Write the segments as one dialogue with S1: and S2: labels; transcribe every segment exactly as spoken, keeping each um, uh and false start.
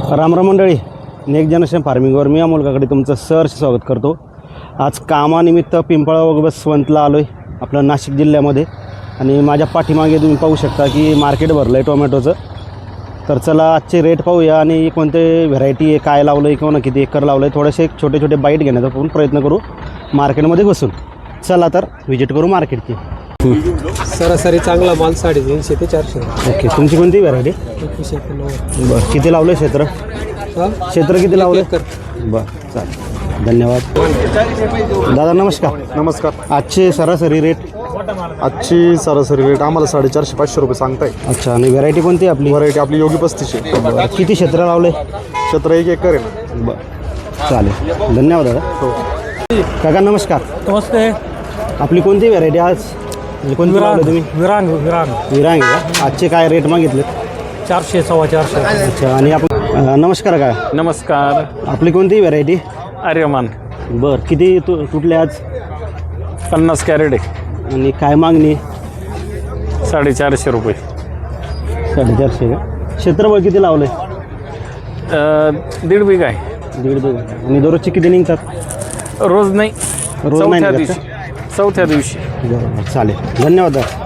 S1: रामराम मंडळी, next generation फार्मिंगवर मी अमोल काकडे तुमचं सहर्ष स्वागत करतो। आज कामानिमित्त पिंपळा व बसवंतला आलो आहे आपलं नाशिक जिल्ह्यामध्ये। आणि माझ्या पाठीमागे तुम्ही पाहू शकता की मार्केट भरलं आहे टोमॅटोचं। तर चला आजचे रेट पाहूया आणि कोणते व्हरायटी आहे, काय लावलं आहे किंवा किती एकर लावलं आहे, थोडेसे छोटे छोटे बाईट घेण्याचा पण प्रयत्न करू मार्केटमध्ये बसून। चला तर व्हिजिट करू मार्केटची।
S2: सरासरी चांगला माल साडेतीनशे ते चारशे।
S1: ओके, तुमची कोणती व्हरायटी?
S2: एकवीसशे एकोणनव्वद।
S1: बरं, किती लावलं आहे क्षेत्र? क्षेत्र किती लावलं? बरं, चालेल, धन्यवाद। दादा नमस्कार।
S3: नमस्कार।
S1: आजचे सरासरी रेट?
S3: आजची सरासरी रेट आम्हाला साडेचारशे पाचशे रुपये सांगताय।
S1: अच्छा, आणि व्हरायटी कोणती आपली?
S3: व्हरायटी आपली योगी पस्तीस आहे।
S1: बरं, किती क्षेत्र लावलं आहे?
S3: क्षेत्र एक एकर आहे ना।
S1: बरं, चालेल, धन्यवाद दादा। हो काका नमस्कार।
S2: नमस्ते।
S1: आपली कोणती व्हरायटी आज? म्हणजे कोणती लावलं तुम्ही?
S2: विरांग विरांग
S1: विरांग आहे का? आजचे काय रेट मागितले?
S2: चारशे सव्वा चारशे।
S1: अच्छा, आणि आपण अं, नमस्कार का?
S4: नमस्कार।
S1: आपली कोणती व्हरायटी?
S4: आर्यमान।
S1: बरं, किती तु तुटले आज?
S4: पन्नास कॅरेट आहे।
S1: आणि काय मागणी?
S4: साडेचारशे रुपये।
S1: साडेचारशे का? क्षेत्रफळ किती लावलं आहे?
S4: अ, दीड बिघा आहे।
S1: दीड दोन। आणि दररोजचे किती निघतात?
S4: रोज नाही,
S1: रोज नाही
S4: चौथ्या
S1: निघत
S4: दिवशी चौथ्या दिवशी
S1: बरोबर, चालेल, धन्यवाद दादा।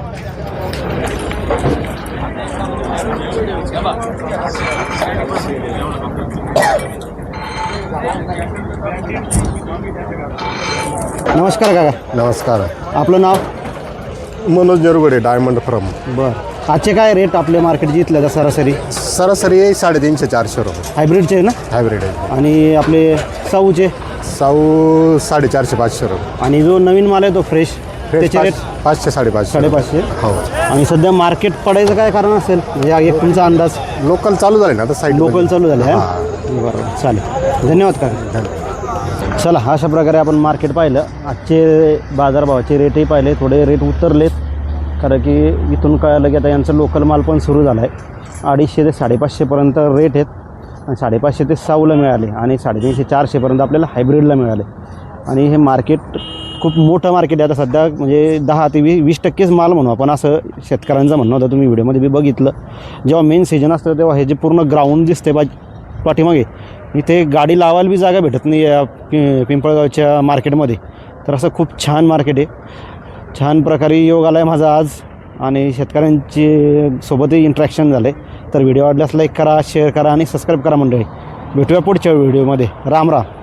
S1: नमस्कार काका।
S3: नमस्कार।
S1: आपलं नाव?
S3: Manoj Nergude, diamond from.
S1: बरं, आजचे काय रेट आपले मार्केट जिथलं सरासरी?
S3: सरासरी आहे साडेतीनशे चारशे रुपये।
S1: हायब्रिडचे ना?
S3: हायब्रिड आहे।
S1: आणि आपले साऊचे?
S3: साऊ साडेचारशे पाचशे रुपये।
S1: आणि जो नवीन माल आहे तो फ्रेश, त्याचे रेट?
S3: पाच- पाचशे साडेपाचशे
S1: साडेपाचशे।
S3: हो।
S1: आणि सध्या मार्केट पडायचं काय कारण असेल, म्हणजे हा एक तुमचा अंदाज?
S3: लोकल चालू झाले ना आता, साईड
S1: लोकल चालू झाले आहे?
S3: हां।
S1: बरोबर, चालेल, धन्यवाद का। चला, अशा प्रकारे आपण मार्केट पाहिलं। आजचे बाजारभावाचे रेटही पाहिले, थोडे रेट उतरलेत, कारण की इथून कळालं की आता यांचं लोकल माल पण सुरू झाला आहे। अडीचशे ते साडेपाचशेपर्यंत रेट आहेत, आणि साडेपाचशे ते साऊला मिळाले, आणि साडेतीनशे चारशेपर्यंत आपल्याला हायब्रिडला मिळाले। आणि हे मार्केट खूप मोठं मार्केट आहे आता सध्या, म्हणजे दहा ते वी वीस टक्केच माल म्हणू आपण, असं शेतकऱ्यांचं म्हणणं होतं। तुम्ही व्हिडिओमध्ये बी बघितलं, जेव्हा मेन सीजन असतं तेव्हा हे जे पूर्ण ग्राउंड दिसते बा पाठीमागे, इथे गाडी लावायला बी जागा भेटत नाही या पि पिंपळगावच्या मार्केटमध्ये। तर असं खूप छान मार्केट आहे, छान प्रकारे योग आला आहे माझा आज, आणि शेतकऱ्यांची सोबतही इंट्रॅक्शन झालं आहे। तर व्हिडिओ आवडल्यास लाईक करा, शेअर करा आणि सबस्क्राईब करा मंडळी। भेटूया पुढच्या व्हिडिओमध्ये। राम राम।